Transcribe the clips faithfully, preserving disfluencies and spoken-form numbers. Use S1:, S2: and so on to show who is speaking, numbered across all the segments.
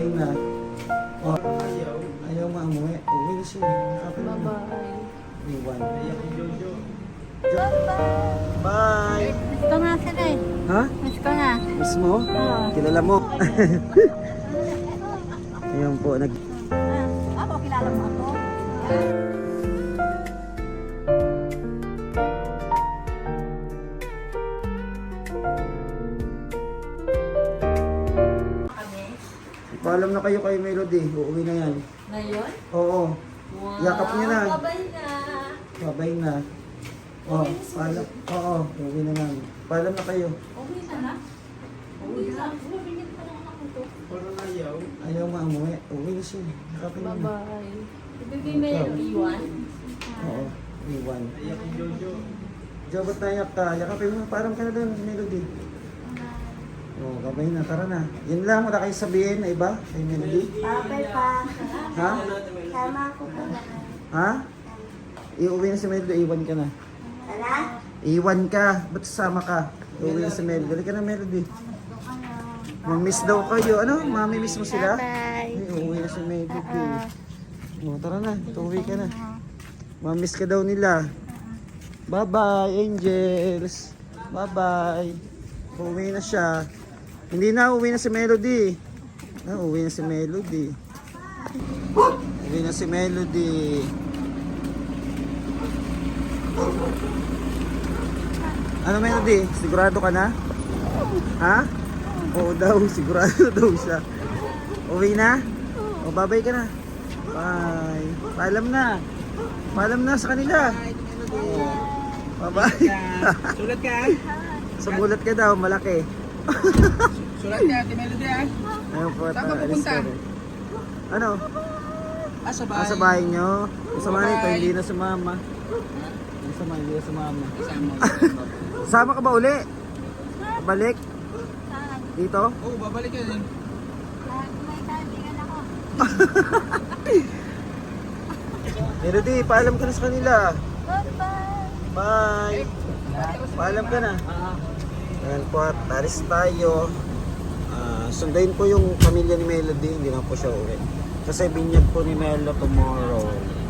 S1: Kain na. Oh, ayaw. Ayaw maamuwi. Uwi na siya. Kapit na.
S2: Bye-bye.
S1: Iwan.
S2: Bye-bye.
S1: Bye!
S2: Miss ko nga sila eh.
S1: Ha?
S2: Miss ko nga.
S1: Miss mo?
S2: Oo.
S1: Kilala mo? Ayun po, nag...
S2: Ah, ako, kilala mo ako.
S1: Paalam na kayo kay Melody. Uuwi na yan.
S2: Ngayon?
S1: Oo.
S2: Wow.
S1: Yakap niya na.
S2: Babay na.
S1: Babay na. Oh, paalam. Oo, uuwi na namin. Paalam na kayo.
S2: Uwi na na? Uwi na. Bumabingit pa lang ako to.
S1: Parang ayaw. Ayaw maamuwi. Uuwi na siya. Yakapin na.
S2: Bye-bye. Ibigay mo yung iwan?
S1: Oo, iwan. Ayak ni Jojo. Jo, ba't nayak ka? Yakapin mo. Parang ka na doon, Melody. Oo, oh, babay na. Tara na. Yan lang. Wala kayo sabihin na iba kay Melody.
S3: Babay pa.
S1: Ha?
S3: Sama ako pa.
S1: Ha? Iuwi na si Melody. Iwan ka na.
S3: Tara.
S1: Iwan ka. Ba't sasama ka? Iuwi na si Melody. Dali ka na, Melody. Mamiss daw kayo. Ano? Mami-miss mo sila?
S3: Bye.
S1: Ay, uuwi na si Melody. Oh, tara na. Uuwi ka na. Mamiss ka daw nila. Bye-bye, angels. Bye-bye. Uuwi na siya. Hindi na, uuwi na si Melody. Ah, uuwi na si Melody. Uuwi na si Melody. Ano, Melody? Sigurado ka na? Ha? Oo daw, sigurado daw siya. Uwi na? O, babay ka na. Bye. Paalam na. Paalam na sa kanila. Bye-bye.
S4: Sulat ka?
S1: Sumulat ka daw, malaki.
S4: Sulat ka, Ate Melody ah.
S1: Ayun po,
S4: Saan ka
S1: alis
S4: pupunta?
S1: na rin. Ano?
S4: Ah, sa bahay.
S1: Ah, sa bahay nyo. Kasama nito,
S4: Bye.
S1: hindi na sumama. Hindi sama, hindi na sumama.
S4: Kasama.
S1: Sama ka ba uli? Balik? Dito?
S4: Oo, oh, babalik ka din.
S3: May kaibigan ako.
S1: Melody, paalam ka na sa kanila.
S3: Bye-bye.
S1: Bye! Paalam ka na. Ayan po at alis tayo. Ah, sundayin po yung pamilya ni Melody. Hindi na po siya uwi. Kasi binyag po ni Melo tomorrow.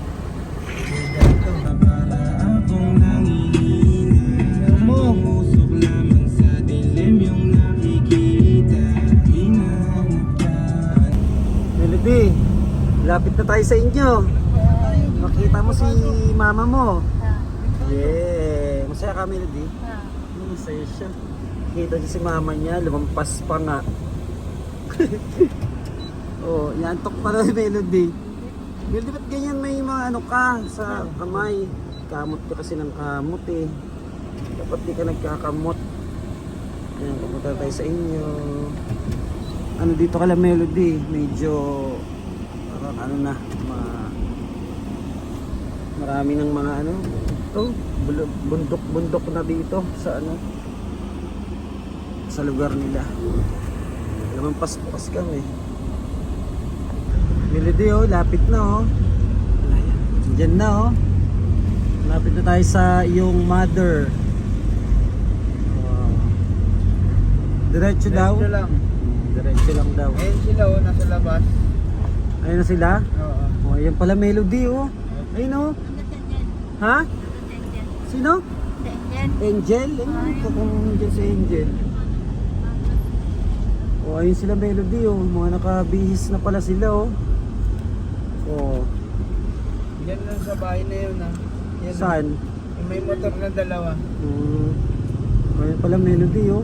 S1: Melody, lapit na tayo sa inyo. Makita mo si mama mo. Yeah. Masaya ka, Melody? Hmm, masaya siya. Kita niya si mama niya, lumampas pa nga. Oh, yantok pa na Melody. Melody, ba't ganyan may mga ano ka sa kamay? Kamot ka kasi ng kamot eh. Dapat di ka nagkakamot. Ayan, pupunta tayo sa inyo. Ano dito ka lang, Melody? Medyo parang ano na, ma marami ng mga ano. Ito, bundok-bundok na dito sa ano, sa lugar nila. Lamampas-pas kami. Melody, oh, lapit na oh. Diyan na oh. Lapit na tayo sa iyong mother. Wow. Diretso daw.
S4: Diretso lang.
S1: Diretso lang daw.
S4: Ayun sila oh, nasa labas.
S1: Ayun na sila.
S4: Oo.
S1: Oh, ayan pala Melody oh. Ayun oh. Ha? Sino? Angel? Ayun, kakang dyan si Angel. Oh, ayun sila Melody oh. Mga nakabihis na pala sila oh. Oh.
S4: Yan lang sa bahay na yun ah. Yan,
S1: Saan?
S4: yung may motor na dalawa.
S1: Hmm. Ayun pala Melody oh.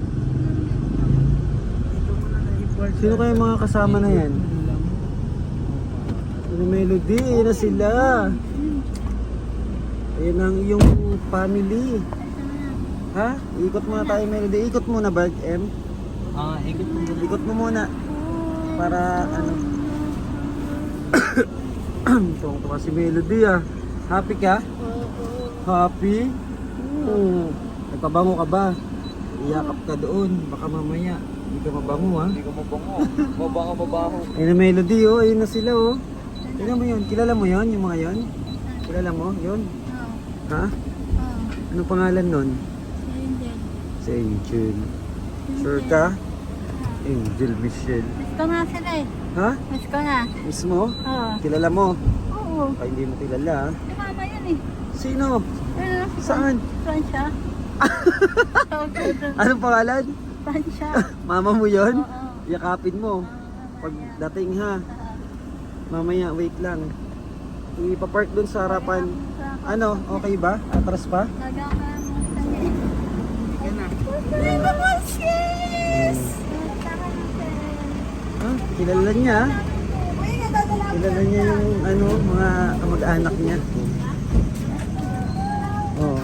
S1: Sino kayo mga kasama na yan? Ano Melody? Ayun na sila. Ayun ang iyong family. Ha? Ikot muna tayo Melody. Ikot muna ba M?
S4: Ah, ikot mo.
S1: Ikot mo muna. Para ano. Tuwang-tuwa si Melody ah. Happy ka? Happy? Oo. Nagpabango ka ba? Iyakap ka doon. Baka mamaya hindi ka mabango ha.
S4: Hindi ko mabango. Mabango, mabango.
S1: Ayun na Melody oh. Ayun na sila oh. Tingnan mo yun. Kilala mo yun? Yung mga yun? Kilala mo? Yun? Ha? Anong pangalan nun? Si Angel. Sure ka? Angel Michelle.
S3: Miss ko nga sila eh.
S1: Ha?
S3: Miss ko na.
S1: Mismo?
S3: Oo.
S1: Kilala mo?
S3: Oo.
S1: Baka hindi mo kilala. ah.
S3: Si mama yun eh.
S1: Sino?
S3: Ano?
S1: Saan?
S3: Saan siya?
S1: Anong pangalan?
S3: Saan siya?
S1: Mama mo yon?
S3: Oo.
S1: Yakapin mo. Pagdating ha. Mamaya, wait lang. Ipapark dun sa harapan. Ano, okay ba? Atras pa? Ha? Kilala niya? Kilala niya yung ano, mga kamag-anak niya. Oh.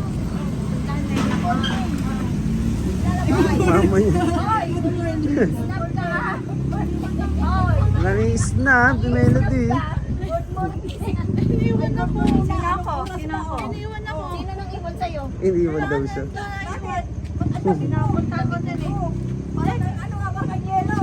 S1: Mama niya. Nang-snap, melody.
S3: Iniwan ako. Sino ako? Sino ako? Iniwan ako.
S2: Sino nang iwan sa'yo?
S1: Iniwan daw siya.
S3: Pinapunta ko din eh. Ano nga ba kanyelo?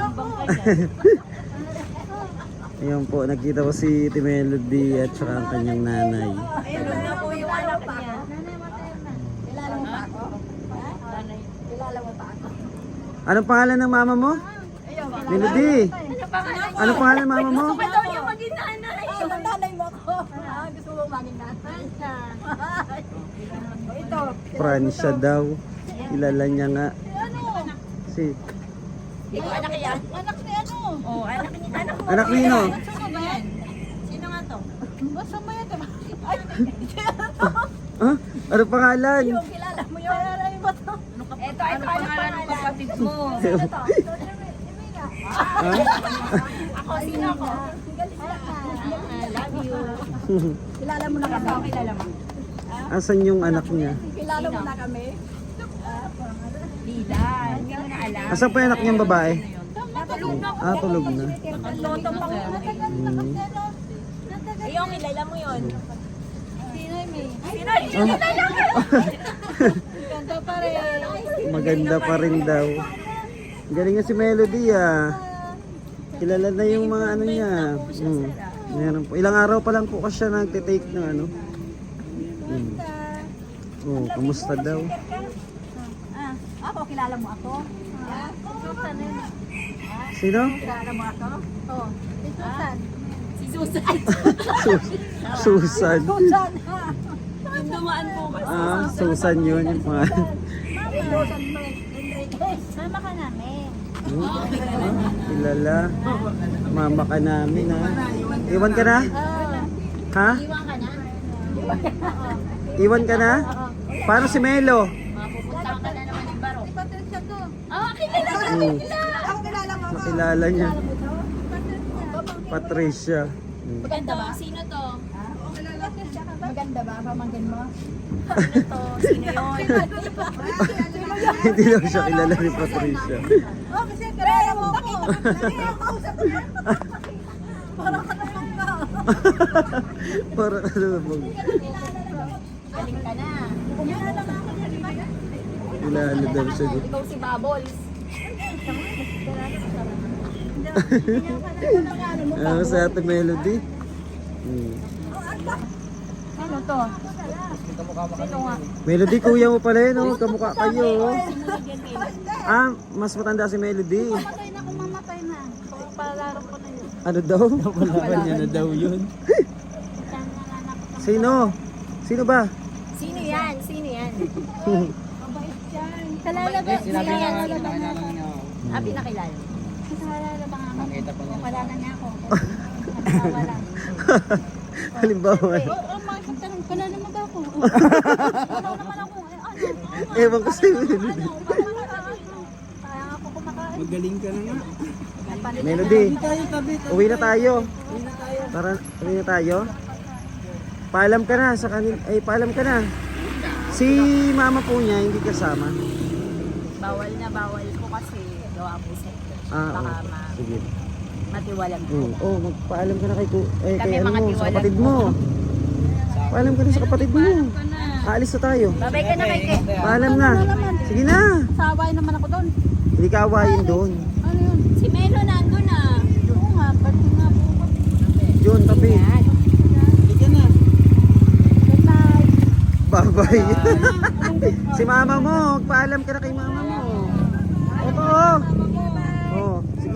S1: Ayan po, nakita ko si Ate Melody at saka ang kanyang nanay.
S3: Ayun na po yung anak niya. Kilala mo pa ako? Kilala mo pa ako?
S1: Anong pangalan ng mama mo? Melody!
S3: Ano pangalan niya?
S1: Anong pangalan ng mama mo?
S3: Gusto ko daw yung maging nanay. Ang nanay mo ako. Ah, gusto mo maging nanay? Ito.
S1: Francia daw. Kilala niya nga.
S3: Ano?
S1: Si...
S3: Ikaw anak yan? Anak ni ano? Oh, anak ni anak mo.
S1: Anak nino?
S3: Sino ba yan? Sino nga to? Basta mo yan, diba? Ay,
S1: Ha? Anong pangalan?
S3: yung kilala mo yun. Kilala mo to. Ito, ito, ano pangalan ng kapatid mo?
S1: Ha?
S3: Ako, sino ako? Love you. Kilala mo na kami. Kilala mo.
S1: Asan yung anak niya?
S3: Kilala mo na kami. Lila, hindi mo na alam.
S1: Asan pa yung anak niyang babae?
S3: Natulog na.
S1: Ah, tulog na.
S3: Loto pa ko.
S1: Hmm.
S3: Yung kilala mo yun. Sino yung may? Sino
S1: Ah,
S3: Ganda pa rin.
S1: maganda pa rin daw. Galing nga si Melody ah. Kilala na yung mga ano niya. Hmm. Meron po. Ilang araw pa lang po kasi siya nagtitake ng ano. Hmm. Oh, kamusta daw?
S3: Ah, ako, kilala mo ako? Ah, Susan yun.
S1: Sino?
S3: Kilala mo ako? Oo. Si Susan. Si Susan.
S1: Sus- Susan.
S3: Susan. Yung dumaan po kasi.
S1: Ah, Susan yun yung mga...
S3: Si Susan Enriquez. Mama ka namin.
S1: Hmm? Ah, kilala. Mama ka namin ha. Iwan ka na? Ha?
S2: Iwan ka na?
S1: Iwan ka na? Paano si Melo?
S2: Mapupunta ka na naman ng baro.
S3: Patricia to.
S2: Ah, kilala ka
S1: Hmm.
S3: Ako kilala mo.
S1: Nakilala niya. Patricia. Hmm.
S2: Maganda ba? Sino to?
S3: Maganda ba? Pamangkin mo?
S2: Sino to? Sino yun?
S1: Hindi daw siya kilala ni Patricia.
S3: Oh, kasi kilala mo ako. Parang ka naman ka.
S1: Para ka naman.
S2: Galing ka na.
S1: Kilala daw siya. doon.
S2: Ikaw si Bubbles.
S1: Ah, sa Ate Melody. Hmm.
S3: Ano to? Sino nga?
S1: Melody, kuya mo pala yun, oh. Kamukha kayo. oh. Ah, mas matanda si Melody.
S3: Mamatay na kung mamatay na. Palalaro ko na yun.
S1: Ano daw? Napalakan niya na daw yun. Sino? Sino ba?
S2: Sino yan? Sino yan?
S3: Kalala ba?
S4: Sinabi nga nga
S3: Kalala ba
S4: na
S3: na?
S2: Ah, pinakilala.
S3: Kalala ba nga?
S4: Nakita pa niya.
S3: Wala na niya ako. Wala.
S1: Halimbawa.
S3: Oo, oh, mga tanong, kalala mo ba ako? Wala naman ako. Eh, ano?
S1: Ewan ko si Melody.
S3: Kaya ako kumakain.
S4: Magaling ka na nga.
S1: Melody,
S4: Tayo tabi.
S1: uwi na tayo. Tara, uwi na tayo. Paalam ka na sa kanil, ay paalam ka na. Si mama po niya hindi kasama.
S2: Bawal na bawal ko kasi gawa po sa ito.
S1: Ah,
S2: Baka
S1: oh,
S2: ma
S1: sige.
S2: matiwalag ko.
S1: Oh, oh, magpaalam ka na kay, ku- eh,
S2: Kami
S1: kay ano
S2: mga
S1: mo, sa
S2: tiwalag
S1: kapatid
S2: mo.
S1: mo. Paalam ka na sa kapatid mo. Aalis na tayo.
S2: Babay ka na kay Ke.
S1: Paalam na. Sige na.
S3: Saway naman ako doon.
S1: Hindi ka awayin doon.
S3: Ano yun?
S2: Si Melo nandun na.
S3: Oo nga, ba't nga po ako?
S1: Yun, tabi.
S4: Sige na.
S3: Good night.
S1: Bye-bye. Si mama mo, paalam ka na kay mama mo. Ito oh.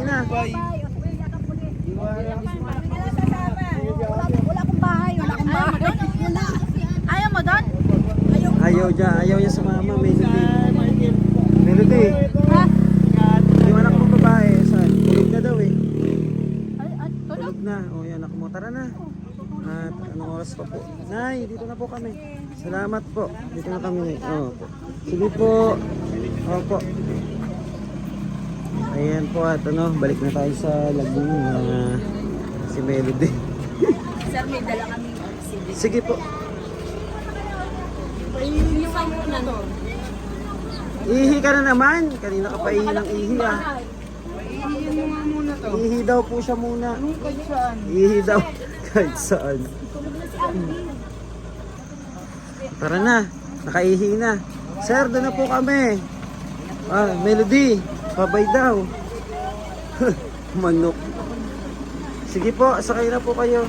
S1: na.
S4: Bye.
S3: Ay, o sige, yakap mo din.
S4: Iwala.
S3: Kami na lang sasama. Wala, wala akong bahay, wala akong bahay. Wala.
S2: Ayaw mo doon?
S3: Ayaw.
S1: Ayaw niya, ayaw niya sa mama, Melody. Melody,
S2: Ha?
S1: yung anak mo babae, saan? Tulog na daw eh.
S2: Ay, ay, tulog.
S1: Tulog na. O, yung anak mo. Tara na. At anong oras pa po? Nay, dito na po kami. Salamat po. Dito na kami. Oh, po. Sige po. Opo. Ayan po at ano, balik na tayo sa Laguna. Si Melody.
S3: Sir, may dala kami.
S1: Sige po.
S3: Yung sa muna to.
S1: Ihi ka na naman. Kanina ka pa ihi ng ihi ah.
S4: Iihin mo nga muna to.
S1: Ihi daw po siya muna.
S4: Anong kahit saan?
S1: Ihi daw. Kahit saan. Tara na. Nakaihi na. Sir, doon na po kami. Ah, Melody. Babay daw. Manok. Sige po, sakay na po kayo.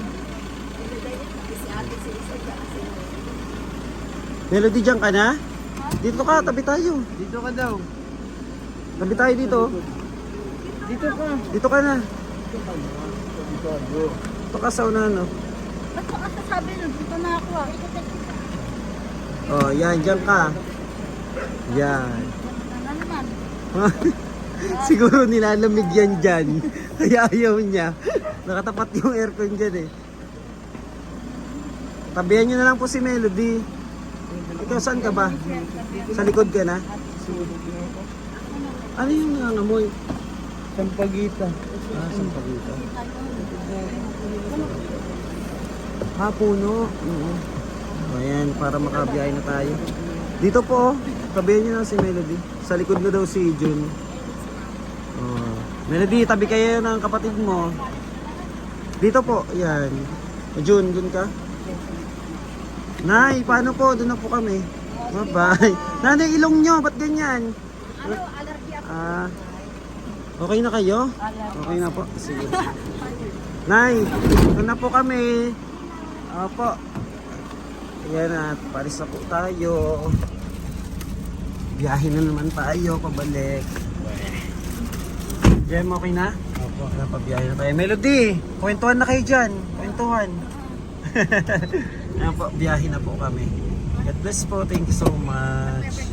S1: Melody, dyan ka na? Dito ka, tabi tayo.
S4: Dito ka daw.
S1: Tabi tayo dito.
S4: Dito ka.
S1: Dito ka na.
S4: Dito ka bro.
S1: Dito ka sa unahan, no?
S2: Ba't ko kasi sabi nun? Dito na ako ah.
S1: Oh, yan, dyan ka. Yan.
S2: Ano naman?
S1: Siguro nilalamig yan dyan. Kaya ayaw niya. Nakatapat yung aircon dyan eh. Tabihan nyo na lang po si Melody. Ikaw saan ka ba? Sa likod ka na? Ano yung nangangamoy?
S4: Sampagita.
S1: Ah, sampagita. Ah, puno. Oo. Ayan, para makabiyahe na tayo. Dito po, oh. Tabihan nyo na si Melody. Sa likod na daw si Jun. Oh. Melody, tabi kayo ng kapatid mo. Dito po, yan. Jun, dun ka? Nay, paano po? Doon na po kami. Bye-bye. Nanay, ilong nyo, ba't ganyan?
S3: Ano, allergy ako.
S1: Ah, okay na kayo? Okay na po. Sige. Nay, doon na po kami. Opo. Ayan at paris na po tayo. Biyahe na naman tayo, pabalik. Jem, okay na? Opo. Pabiyahe na tayo. Melody, kwentuhan na kayo dyan. Kwentuhan. Ayan po, biyahe na po kami. God bless po. Thank you so much.